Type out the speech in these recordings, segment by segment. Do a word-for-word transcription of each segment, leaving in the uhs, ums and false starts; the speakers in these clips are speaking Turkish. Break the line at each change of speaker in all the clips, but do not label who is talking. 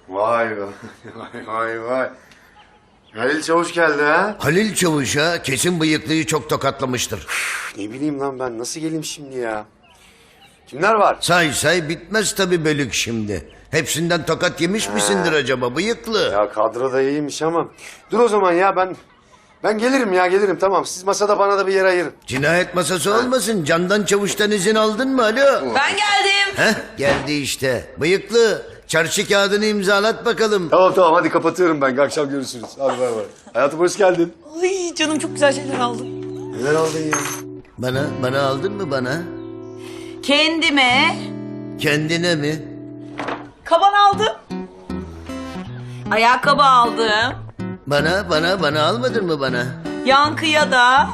Vay vay vay vay vay. Halil Çavuş geldi ha?
Halil Çavuş'a kesin bıyıklıyı çok tokatlamıştır.
Ne bileyim lan ben nasıl geleyim şimdi ya? Kimler var?
Say say bitmez tabii bölük şimdi. Hepsinden tokat yemiş misindir acaba bıyıklı?
Ya kadro da iyiymiş ama. Dur o zaman ya ben... Ben gelirim ya gelirim tamam. Siz masada bana da bir yer ayırın.
Cinayet masası olmasın. Candan Çavuş'tan izin aldın mı alo?
Ben geldim.
Heh geldi işte. Bıyıklı çarşı kağıdını imzalat bakalım.
Tamam tamam hadi kapatıyorum ben. Akşam görüşürüz. Hadi bay bay. Hayatım hoş geldin.
Ay canım çok güzel şeyler aldım.
Neler aldın ya?
Bana, bana aldın mı bana?
Kendime
Kendine mi?
kaban aldım. Ayakkabı aldım.
Bana, bana, bana almadın mı bana?
Yankıya da.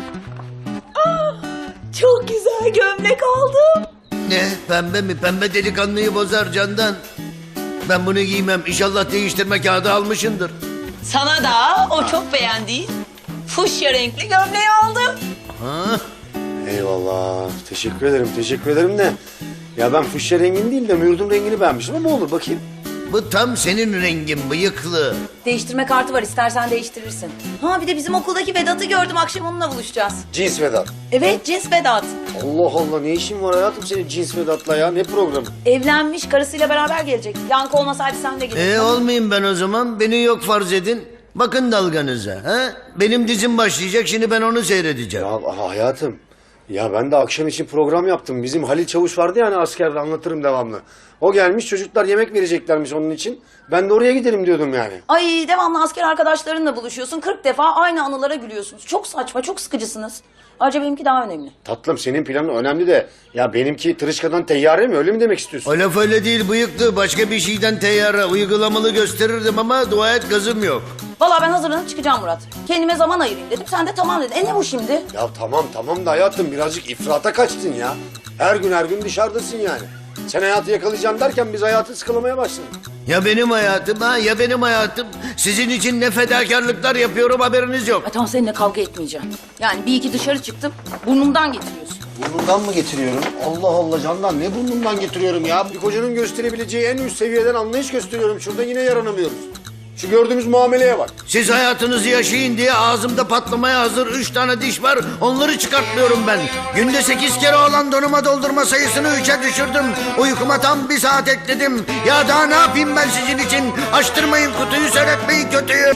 Ah, çok güzel gömlek aldım.
Ne? Pembe mi? Pembe delikanlıyı bozar Candan. Ben bunu giymem. İnşallah değiştirme kağıdı almışındır.
Sana da o çok beğendiğin fuşya renkli gömleği aldım.
Ha?
Eyvallah. Teşekkür ederim teşekkür ederim de. Ya ben fuşya rengini değil de mürdüm rengini beğenmiştim ama olur bakayım.
Bu tam senin rengin bıyıklı.
Değiştirme kartı var istersen değiştirirsin. Ha bir de bizim okuldaki Vedat'ı gördüm akşam onunla buluşacağız.
Cins Vedat.
Evet cins Vedat.
Allah Allah ne işin var hayatım senin Cins Vedat'la ya ne programı?
Evlenmiş karısıyla beraber gelecek. Yankı olmasaydı sen de gelirdin.
E olmayayım ben o zaman. Beni yok farz edin. Bakın dalganıza. Ha? Benim dizim başlayacak. Şimdi ben onu seyredeceğim.
Ya hayatım ya ben de akşam için program yaptım. Bizim Halil Çavuş vardı ya hani askerde anlatırım devamlı. O gelmiş çocuklar yemek vereceklermiş onun için. Ben de oraya gidelim diyordum yani.
Ay devamlı asker arkadaşlarınla buluşuyorsun. kırk defa aynı anılara gülüyorsunuz. Çok saçma, çok sıkıcısınız. Ayrıca benimki daha önemli.
Tatlım senin planın önemli de ya benimki tırışkadan teyyare mi öyle mi demek istiyorsun?
O laf öyle değil bıyıklı. Başka bir şeyden teyyara uygulamalı gösterirdim ama dua et gazım yok.
Vallahi ben hazırlanıp çıkacağım Murat. Kendime zaman ayırayım dedim. Sen de tamam dedin. E ne bu şimdi?
Ya tamam tamam da hayatım birazcık ifrata kaçtın ya. Her gün her gün dışarıdasın yani. Sen hayatı yakalayacağım derken biz hayatı sıkılamaya başladık.
Ya benim hayatım ha ya benim hayatım. Sizin için ne fedakarlıklar yapıyorum haberiniz yok.
Ay tamam seninle kavga etmeyeceğim. Yani bir iki dışarı çıktım. Burnumdan getiriyorsun.
Burnundan mı getiriyorum? Allah Allah Candan ne burnundan getiriyorum ya? Bir kocanın gösterebileceği en üst seviyeden anlayış gösteriyorum. Şurada yine yaranamıyoruz. Şu gördüğümüz muameleye bak.
Siz hayatınızı yaşayın diye ağzımda patlamaya hazır üç tane diş var. Onları çıkartmıyorum ben. Günde sekiz kere olan donuma doldurma sayısını üçe düşürdüm. Uykuma tam bir saat ekledim. Ya daha ne yapayım ben sizin için? Açtırmayın kutuyu, seyretmeyin kötüyü.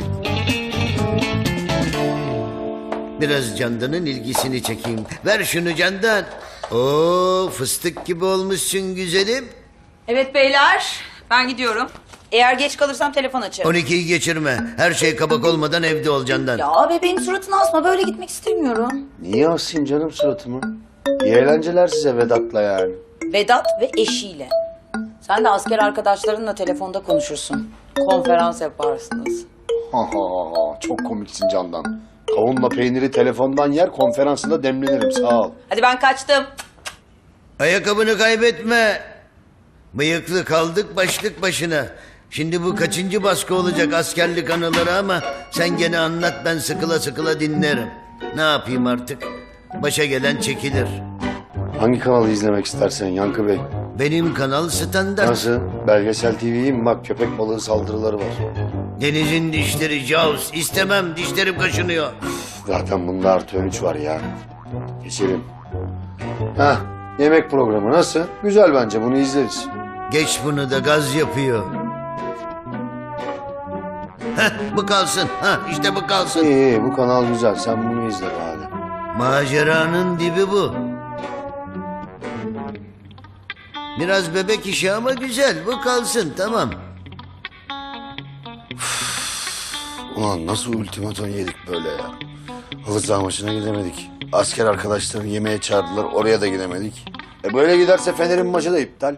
Biraz Candan'ın ilgisini çekeyim. Ver şunu Candan. Oo fıstık gibi olmuşsun güzelim.
Evet beyler. Ben gidiyorum. Eğer geç kalırsam telefon açarım.
on ikiyi geçirme. Her şey kabak olmadan evde ol Candan.
Ya bebeğin suratını asma. Böyle gitmek istemiyorum.
Niye asayım canım suratımı? İyi eğlenceler size Vedat'la yani.
Vedat ve eşiyle. Sen de asker arkadaşlarınla telefonda konuşursun. Konferans yaparsınız.
Ha ha ha çok komiksin Candan. Kavunla peyniri telefondan yer konferansında demlenirim sağ ol.
Hadi ben kaçtım.
Ayakkabını kaybetme. Bıyıklı kaldık başlık başına. Şimdi bu kaçıncı baskı olacak askerlik anıları ama sen gene anlat ben sıkıla sıkıla dinlerim. Ne yapayım artık? Başa gelen çekilir.
Hangi kanalı izlemek istersen Yankı Bey?
Benim kanal standart.
Nasıl? Belgesel T V'yi mi? Bak köpek balığı saldırıları var.
Denizin dişleri Jaws. İstemem dişlerim kaşınıyor.
Zaten bunda artı on üç var ya. Geçelim. Heh, yemek programı nasıl? Güzel bence bunu izleriz.
Geç bunu da gaz yapıyor. Heh, bu kalsın. Heh, işte bu kalsın.
İyi iyi bu kanal güzel sen bunu izle bari.
Maceranın dibi bu. Biraz bebek işi ama güzel. Bu kalsın tamam.
Ulan nasıl ultimaton yedik böyle ya? Halı saha maçına gidemedik. Asker arkadaşlarını yemeğe çağırdılar oraya da gidemedik. E böyle giderse Fener'in maçı da iptal.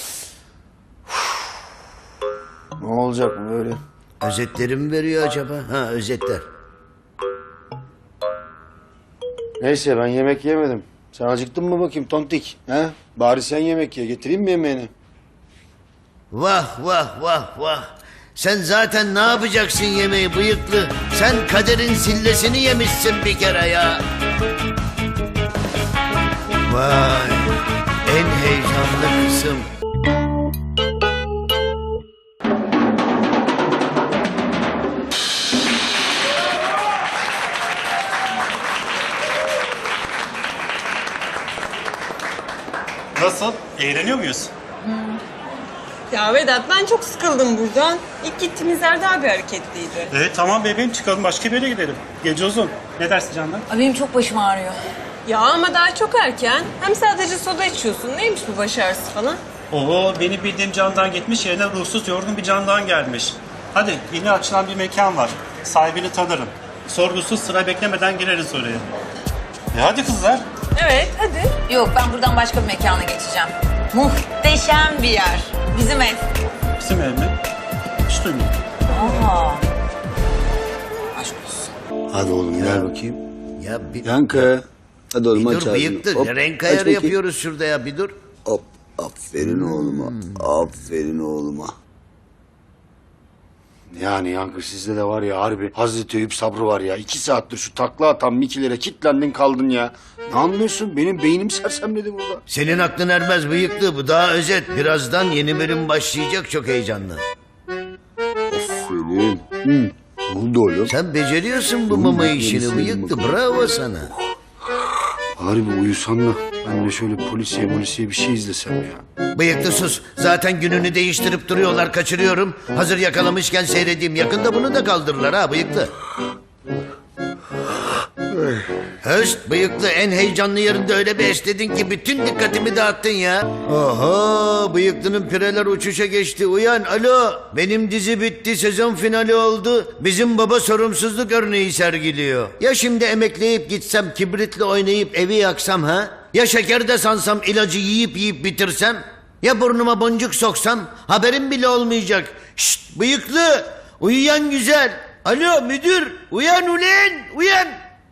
Ne olacak bu böyle?
Özetleri veriyor acaba? Ha özetler.
Neyse ben yemek yemedim. Sen acıktın mı bakayım tontik? He? Bari sen yemek ye. Getireyim mi yemeğini?
Vah vah vah vah. Sen zaten ne yapacaksın yemeği bıyıklı? Sen kaderin sillesini yemişsin bir kere ya. Vay. En heyecanlı kısım.
Eğleniyor muyuz?
Ya Vedat ben çok sıkıldım buradan. İlk gittiğimiz yer daha bir hareketliydi.
Evet tamam bebeğim, çıkalım başka bir yere gidelim. Gece uzun. Ne dersin Candan?
Ay, benim çok başım ağrıyor.
Ya ama daha çok erken. Hem sadece soda içiyorsun. Neymiş bu baş ağrısı falan?
Oo, benim bildiğim Candan gitmiş, yerine ruhsuz yorgun bir Candan gelmiş. Hadi, yeni açılan bir mekan var. Sahibini tanırım. Sorgusuz, sıra beklemeden gireriz oraya. E hadi kızlar.
Evet hadi.
Yok, ben buradan başka bir mekana geçeceğim. Muhteşem bir yer. Bizim ev.
Bizim ev mi? Hiç duymadım.
Aa. Aşk olsun.
Hadi oğlum gel bakayım.
Ya bir,
Yankı. Hadi oğlum
bir
aç
dur
ağzını.
bıyıktır.
Hop,
Renk
aç
ayarı
bakayım.
yapıyoruz şurada ya bir dur.
Hop. Aferin oğluma. Aferin oğluma. Yani Yankı sizde de var ya harbi Hazreti Eyüp sabrı var ya. İki saattir şu takla atan Mikilere kilitlendin kaldın ya. Ne anlıyorsun? Benim beynim sersemledi burada.
Senin aklın ermez bıyıklı bu daha özet. Birazdan yeni bölüm başlayacak çok heyecanlı.
Aferin. Hı. Ne oldu oğlum?
Sen beceriyorsun bu mama işini bıyıklı bravo sana.
Harbi uyusan da ben de şöyle polisiye polisiye bir şey izlesem ya.
Bıyıklı sus. Zaten gününü değiştirip duruyorlar kaçırıyorum. Hazır yakalamışken seyredeyim. Yakında bunu da kaldırırlar ha bıyıklı. Höst bıyıklı en heyecanlı yerinde öyle bir esnedin ki bütün dikkatimi dağıttın ya. Oho bıyıklının pireler uçuşa geçti. Uyan alo benim dizi bitti sezon finali oldu. Bizim baba sorumsuzluk örneği sergiliyor. Ya şimdi emekleyip gitsem kibritle oynayıp evi yaksam ha? Ya şeker de sansam ilacı yiyip yiyip bitirsem? Ya burnuma boncuk soksam haberim bile olmayacak. Şşt bıyıklı uyuyan güzel. Alo müdür uyan ulen uyan.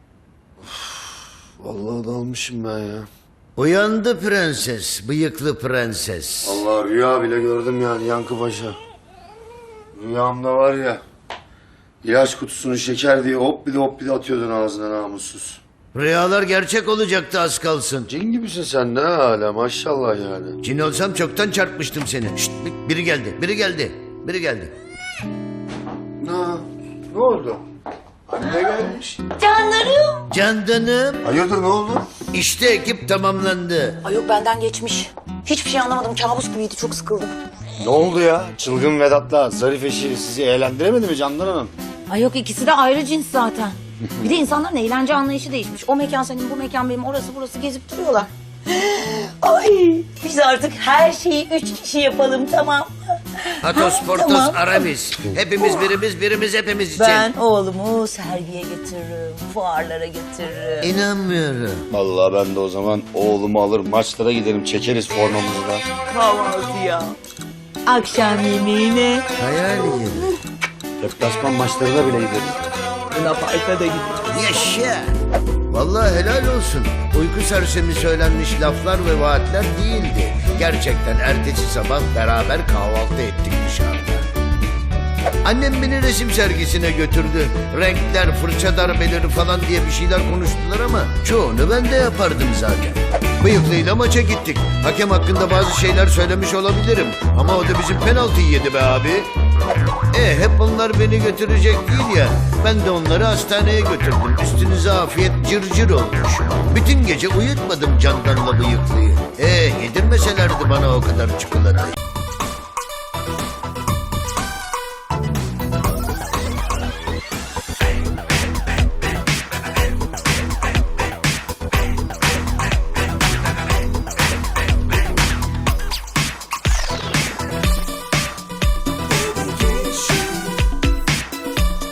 Vallahi dalmışım ben ya.
Uyandı prenses, bıyıklı prenses.
Allah rüya bile gördüm yani Yankı Paşa. Rüyamda var ya. İlaç kutusunu şeker diye hop bir de hop bir de atıyordun ağzına namussuz.
Rüyalar gerçek olacaktı az kalsın.
Cin gibisin sen de hala maşallah yani.
Cin olsam çoktan çarpmıştım seni. Şşt, biri geldi, biri geldi, biri geldi.
Ne? Ne oldu? Anne gelmiş.
Canlarım.
Candanım,
Hayırdır ne oldu?
işte ekip tamamlandı.
Ay yok, benden geçmiş. Hiçbir şey anlamadım. Kabus gibiydi. Çok sıkıldım.
Ne oldu ya? Çılgın Vedat'la Zarif eşi sizi eğlendiremedi mi Candan Hanım?
Ay yok, ikisi de ayrı cins zaten. Bir de insanların eğlence anlayışı değişmiş. O mekan senin, bu mekan benim, orası burası gezip duruyorlar. Ay biz artık her şeyi üç kişi yapalım, tamam.
Atos, Portos,
Tamam.
Aramis. Hepimiz birimiz, birimiz hepimiz için.
Ben oğlumu sergiye getiririm, fuarlara getiririm.
İnanmıyorum.
Vallahi ben de o zaman oğlumu alır maçlara giderim çekeriz formamızı da.
Kahvaltıya, akşam yemeğine,
Hayal gibi.
Deplasman maçlarına bile gideriz.
Luna Park'a da gideriz.
Yaşa. Vallahi helal olsun. Uyku sersemi söylenmiş laflar ve vaatler değildi. Gerçekten ertesi sabah beraber kahvaltı ettik dışarıda. Annem beni resim sergisine götürdü. Renkler, fırça darbeleri falan diye bir şeyler konuştular ama çoğunu ben de yapardım zaten. Bıyıklıyla maça gittik. Hakem hakkında bazı şeyler söylemiş olabilirim. Ama o da bizim penaltıyı yedi be abi. E hep onlar beni götürecek değil ya. Ben de onları hastaneye götürdüm. Üstünüze afiyet cırcır olmuş. Bütün gece uyutmadım Candan'la bıyıklıyı. E yedirmeselerdi bana o kadar çikolatayı.